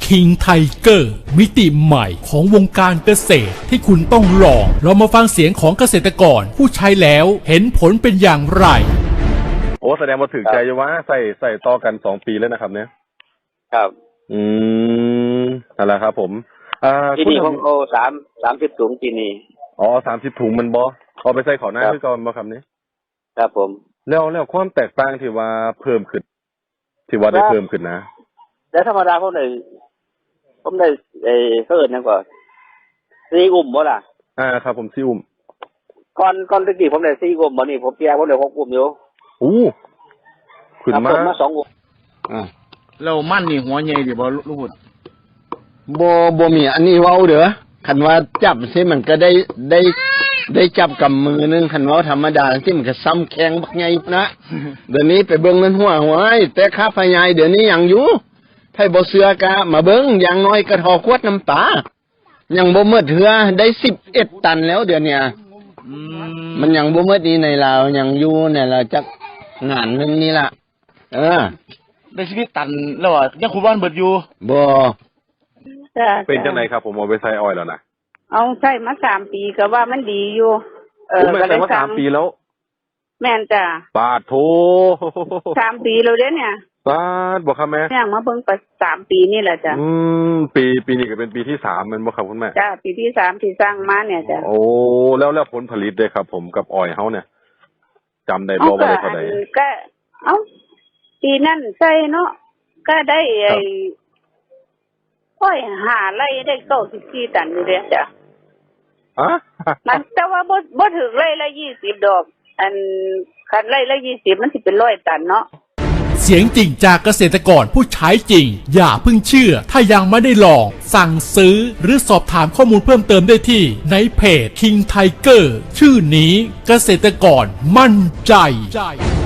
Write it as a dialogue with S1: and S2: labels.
S1: King Tiger มิติใหม่ของวงการเกษตรที่คุณต้องลองเรามาฟังเสียงของเกษตรกรผู้ใช้แล้วเห็นผลเป็นอย่างไร
S2: โอ้แสดงว่าถึงใจว่าใส่ต่อกัน2 ปีแล้วนะครับเนี่ย
S3: ครับ
S2: นั่นแหละครับผม
S3: ที่นี่ผมเอา30 ถุงที่นี่
S2: อ๋อ30 ถุงมันบ่เอาไปใส่ข้าวหน้าคือก่อนบ่ครับนี้
S3: ครับผม
S2: แล้วความแตกต่างที่ว่าเพิ่มขึ้นที่ว่าได้เพิ่มขึ้นนะ
S3: แล้วธรรมดาผมได้เพิ่นนั่นก่อน4 อุ้มบ่ล่ะ
S2: ครับผม4 อุ้ม
S3: ก่อนตะกี้ผมได้4 อุ้มบ่นี่ผมเปียผมได้6 อุ้มอยู่
S2: ขึ้นมา
S3: 2 อุ้ม
S4: แล้วมันนี่หัวใหญ่ดิบ่ลูกหุ่น
S5: บ่มีอันนี้เว้าเด้อคันว่าจับซิมันก็ได้จับกับมือนึงคันว่าธรรมดาที่มันก็ซ้ำแข็งบักใหญ่นะเดี๋ยวนี้ไปเบิ่งมันหัวแต่ค่าไฟใหญ่เดี๋ยวนี้ยังอยู่ไผบ่เชื่อกะมาเบิ่งอย่างน้อยก็ทอขวดน้ำปลายังบ่หมดเหือได้11 ตันแล้วเดี๋ยวนี้มันยังบ่หมดนี่ในลาวยังอยู่ในลาวจักงานนึงนี่ล่ะ
S4: ได้11 ตันแล้วยังคุบ้านเบิดอยู่
S5: บ่
S2: เป็นจังไดครับผมเอาไปใส่อ้อยแล้วนะ
S6: เอาใช้มา3 ปีก็ว่ามันดีอยู่
S2: ก็เลยว่า3 ปีแล้ว
S6: แม่นจ้ะ
S2: ปาดโถ
S6: 3 ปีแล้วเด้เนี่ย
S2: ปาดบ่ครับแม่
S6: ย่างมาเบิ่งไป3 ปีนี่แหละจ้ะ
S2: ปีนี้ก็เป็นปีที่3แม่นบ่ครับคุณแม่
S6: จ้ะปีที่3ที่สร้างมาเนี่ยจ้ะ
S2: โอ้แล้วผลผลิตเด้ครับผมกับอ้อยเฮาเนี่ยจำได้บ่ว่าได้เท่าใด
S6: ก็ปีนั้นใส่เนาะก็ได้อ้อย5 ไร่ได้94 ตันอยู่เด้จ้ะมันแต่ว่าบ่ถึงไร่ละ20 ดอกคันไร่ละ20มันสิเป็น100 ตันเนาะ
S1: เสียงจริงจากเกษตรกรผู้ใช้จริงอย่าเพิ่งเชื่อถ้ายังไม่ได้ลองสั่งซื้อหรือสอบถามข้อมูลเพิ่มเติมได้ที่ในเพจ King Tiger ชื่อนี้เกษตรกรมั่นใจ